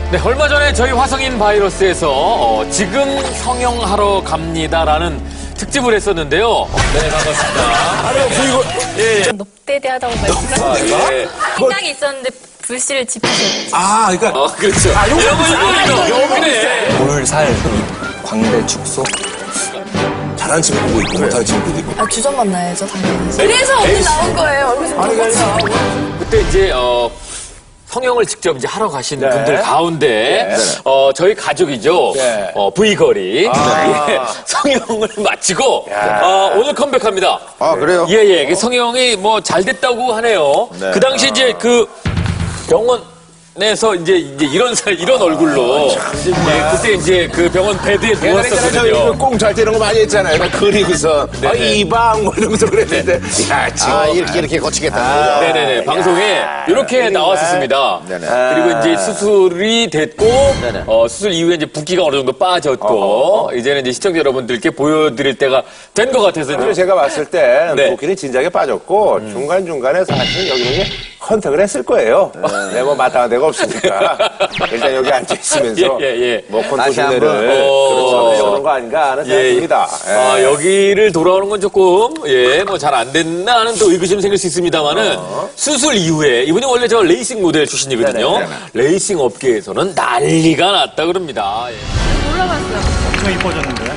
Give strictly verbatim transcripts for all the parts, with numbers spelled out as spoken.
네, 얼마 전에 저희 화성인 바이러스에서 어, 지금 성형하러 갑니다라는 특집을 했었는데요. 네, 반갑습니다. 아니요, 그리고 예, 예. 높대대하다고 말씀하셨는데 아, 예. 생각이 있었는데 불씨를 지피셨죠. 아, 그러니까 어, 그렇죠. 아, 요거, 이거, 이거, 이거. 그래. 볼살, 광대 축소. 잘하는 친구도 있고 못하는 친구도 있고. 아, 주전 만나야죠, 당연히. 그래서 오늘 나온 거예요. 얼굴 좀 똑같이. 그때 이제 어 성형을 직접 이제 하러 가신 네. 분들 가운데 네. 어 저희 가족이죠. 네. 어 V거리 아. 예, 성형을 마치고 어, 오늘 컴백합니다. 아, 그래요? 예예. 그 성형이 뭐 잘 됐다고 하네요. 네. 그 당시 이제 그 병원에서 이제 이제 이런 살 이런 얼굴로 예, 그때 이제 그 병원 베드에 옛날에 저희 누웠었거든요. 꽁잘 때 이런 거 많이 했잖아요. 막 그리고서 아, 이방 뭐 이러면서 그랬는데 야, 지금 아, 이렇게, 이렇게 거치겠다는 거죠. 네네네. 방송에 이렇게 나왔었습니다. 네네. 그리고 이제 수술이 됐고, 네네. 어, 수술 이후에 이제 붓기가 어느 정도 빠졌고, 이제는 이제 시청자 여러분들께 보여드릴 때가 된 것 같아서. 그래서 제가 봤을 때 네. 붓기는 진작에 빠졌고 중간중간에 사실 여기는 컨택을 했을 거예요. 네, 뭐 마땅한 데가 없으니까 일단 여기 앉아있으면서 예, 예, 예. 뭐 다시 한번. 컨트롤을 어. 그렇죠. 그런 거 아닌가 하는 생각이 듭니다. 예. 아, 여기를 돌아오는 건 조금, 예, 뭐 잘 안 됐나 하는 또 의구심 생길 수 있습니다만은 수술 이후에 이분이 원래 저 레이싱 모델 출신이거든요. 네네, 레이싱 업계에서는 난리가 났다 그럽니다. 예. 엄청 이뻐졌는데.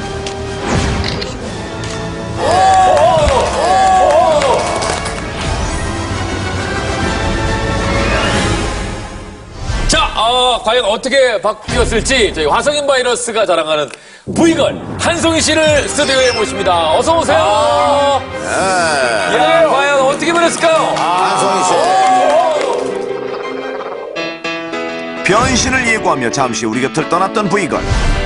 자, 어, 과연 어떻게 바뀌었을지 저희 화성인 바이러스가 자랑하는 V걸 한송이 씨를 스튜디오에 모십니다. 어서 오세요. 야, 과연 어떻게 변했을까요? 한송이 씨. 변신을 예고하며 잠시 우리 곁을 떠났던 V걸.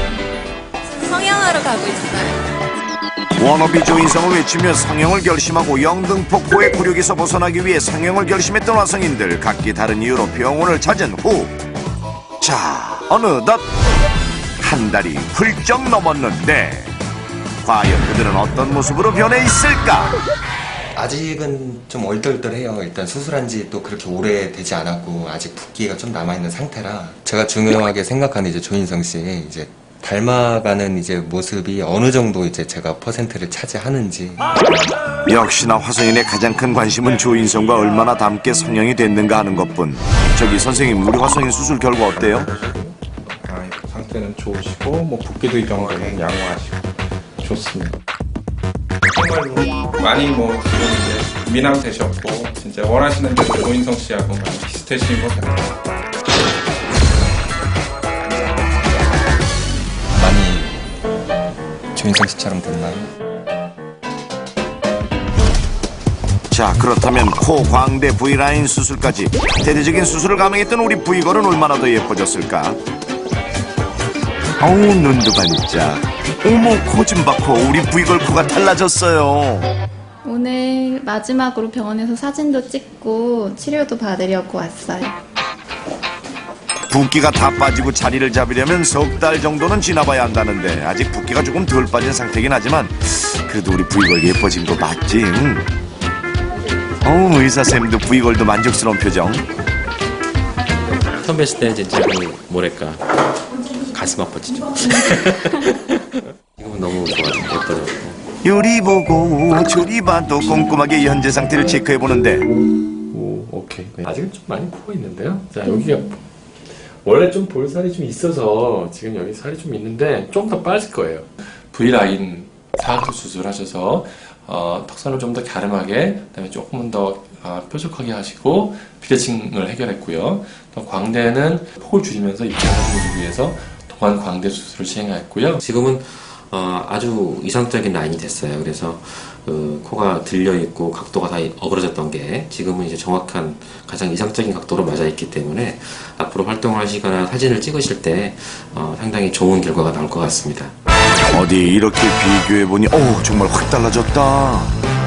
성형하러 가고 있어요. 워너비 조인성을 외치며 성형을 결심하고 영등포 코의 굴욕에서 벗어나기 위해 성형을 결심했던 화성인들, 각기 다른 이유로 병원을 찾은 후, 자, 어느덧 한 달이 훌쩍 넘었는데 과연 그들은 어떤 모습으로 변해 있을까? 아직은 좀 얼떨떨해요. 일단 수술한 지 또 그렇게 오래 되지 않았고 아직 붓기가 좀 남아있는 상태라 제가 중요하게 생각하는 이제 조인성 씨의 이제 닮아가는 이제 모습이 어느 정도 이제 제가 퍼센트를 차지하는지. 역시나 화성인의 가장 큰 관심은 조인성과 얼마나 닮게 성형이 됐는가 하는 것뿐. 저기 선생님, 우리 화성인 수술 결과 어때요? 아, 상태는 좋으시고 뭐 붓기도 이 정도는 양호하시고 좋습니다. 정말로 많이 뭐 지금 이제 미남 되셨고 진짜 원하시는 대로 조인성 씨하고 많이 비슷해지신 것 같아요. 많이 조인성 씨처럼 됐나요? 자, 그렇다면 코, 광대, V라인 수술까지 대대적인 수술을 감행했던 우리 V걸은 얼마나 더 예뻐졌을까? 어우, 눈도 반짝. 어머, 코 좀 봐, 코. 우리 V걸 코가 달라졌어요. 오늘 마지막으로 병원에서 사진도 찍고 치료도 받으려고 왔어요. 붓기가 다 빠지고 자리를 잡으려면 석 달 정도는 지나봐야 한다는데 아직 붓기가 조금 덜 빠진 상태긴 하지만 그래도 우리 V걸 예뻐진 거 맞지? 응? 어우, 의사쌤도 V걸도 만족스러운 표정. 처음 뵀을 때는 진짜 그 뭐랄까 가슴 아팠죠. 지금은 너무 좋아요. 예뻐졌고. 요리 보고 조리 봐도 꼼꼼하게 현재 상태를 체크해보는데 오, 오케이. 네. 아직은 좀 많이 부어 있는데요. 자, 여기가 원래 좀 볼살이 좀 있어서 지금 여기 살이 좀 있는데 좀 더 빠질 거예요. V라인 사각턱 수술하셔서 어, 턱선을 좀 더 갸름하게, 그다음에 조금은 더 어, 뾰족하게 하시고 비대칭을 해결했고요. 또 광대는 폭을 줄이면서 입체적으로 주기 위해서 동안 광대 수술을 시행했고요. 지금은 어, 아주 이상적인 라인이 됐어요. 그래서 그 코가 들려 있고 각도가 다 어그러졌던 게 지금은 이제 정확한 가장 이상적인 각도로 맞아 있기 때문에 앞으로 활동을 하시거나 사진을 찍으실 때 어, 상당히 좋은 결과가 나올 것 같습니다. 어디 이렇게 비교해보니 오, 정말 확 달라졌다.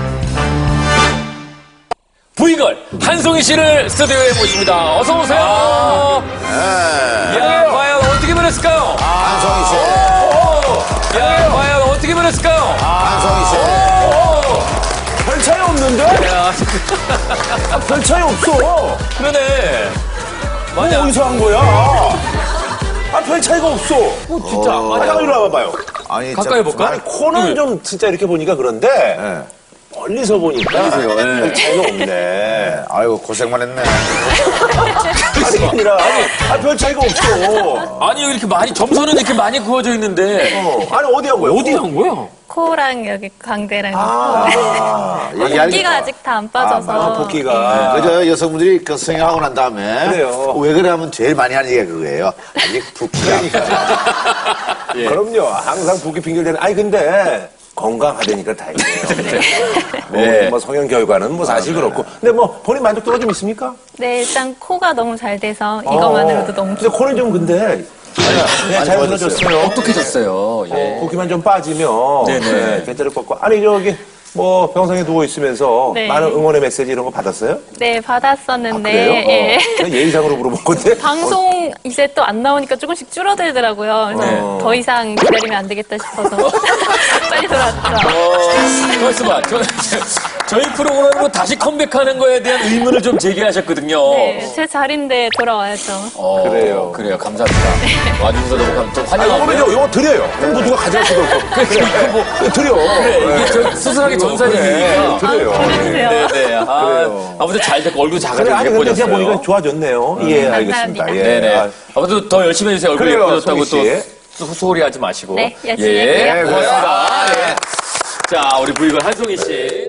V걸 한송이 씨를 스튜디오에 모십니다. 어서 오세요. 야, 과연 어떻게 변했을까요? 한송이 씨. 야, 과연 어떻게 변했을까요? 한송이 씨. 별 차이 없는데? 야, 별 차이 없어. 그러네. 뭐 맞아. 어디서 한 거야? 아, 별 차이가 없어. 어, 진짜. 아, 맞아. 잠깐 이리 와봐봐요. 아니, 가까이 참- 볼까? 아니, 코는 네. 좀 진짜 이렇게 보니까 그런데, 예. 멀리서 보니까 멀리서요, 예. 별 차이가 없네. 아이고, 고생만 했네. 아니, 아니라, 아니, 아, 별 차이가 없어. 아니, 여기 이렇게 많이, 점선은 이렇게 많이 구워져 있는데. 어, 아니, 어디 한 거야? 어디 한 거야? 코랑 여기 광대랑 아, 붓기가 얘기하니까. 아직 다 안 빠져서 아, 붓기가. 그저 여성분들이 그 성형하고 난 다음에 그래요. 왜 그래 하면 제일 많이 하는 얘기가 그거예요. 아직 붓기가 안 빠져. 예. 그럼요. 항상 붓기 핑계대는. 아니, 근데 건강하다니까 다행이에요. 네. 뭐, 뭐 성형 결과는 뭐 사실 그렇고. 근데 뭐 본인 만족도가 좀 있습니까? 네, 일단 코가 너무 잘 돼서 이거만으로도 너무 근데 코는 좀 근데 그냥 잘 무너졌어요. 똑똑해졌어요. 예. 붓기만 좀 빠지면 네네. 네, 괜찮을 것 같고. 아니 저기 뭐 병상에 누워 있으면서 네. 많은 응원의 메시지 이런 거 받았어요? 네, 받았었는데 그래요? 예. 어. 그냥 예의상으로 물어본 건데. 방송 이제 또 안 나오니까 조금씩 줄어들더라고요. 그래서 네. 더 이상 기다리면 안 되겠다 싶어서 빨리 돌아왔죠. 어, 말씀아, 저, 저희 프로그램으로 다시 컴백하는 거에 대한 의문을 좀 제기하셨거든요. 네, 제 자리인데 돌아와야죠. 어, 그래요. 그래요. 감사합니다. 와주셔서 너무 감, 좀 아니, 환영하고요. 이거는 이거 드려요. 그럼 누가 가져갈 수도 없고. 그래, 뭐, 드려. 그래, 이게 저 수술하기 전 사진이니까. 드려요. 보내주세요. 네네. 아, 그래요. 아무튼 잘 됐고, 얼굴 그래, 작아지고 아니, 근데 제가 예뻐졌어요. 보니까 좋아졌네요. 예, 알겠습니다. 감사합니다. 예. 네네. 아, 아무튼 더 열심히 해주세요. 얼굴 그래요, 예뻐졌다고 또 송이 씨. 소- 소홀히 하지 마시고. 네, 열심히 예, 할게요. 고맙습니다. 예. 자, 우리 부이걸 한송이 씨.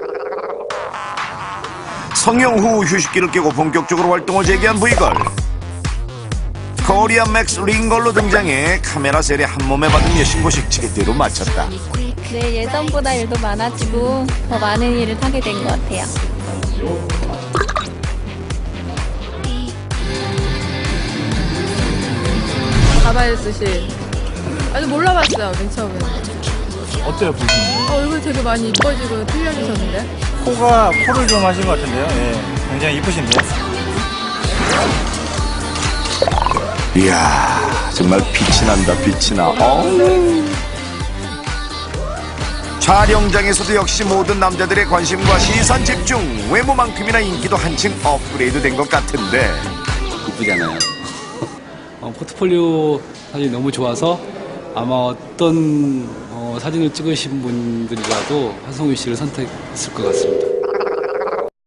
성형 후 휴식기를 깨고 본격적으로 활동을 재개한 브이걸. 코리안 맥스 링걸로 등장해 카메라 셀에 한 몸에 받은 여신고식 제대로 마쳤다. 네, 예전보다 일도 많아지고 더 많은 일을 하게 된 것 같아요. 가발 쓰실. 아직 몰라봤어요, 맨 처음에. 어때요, 보시면? 어, 얼굴 되게 많이 이뻐지고 틀려지셨는데? 코가, 코를 좀 하신 것 같은데요? 예. 굉장히 이쁘신데? 이야, 정말 빛이 난다, 빛이 나. 어? 촬영장에서도 역시 모든 남자들의 관심과 시선 집중, 외모만큼이나 인기도 한층 업그레이드 된 것 같은데. 이쁘잖아요. 어, 포트폴리오 사진이 너무 좋아서 아마 어떤 어, 사진을 찍으신 분들이라도 한송이 씨를 선택했을 것 같습니다.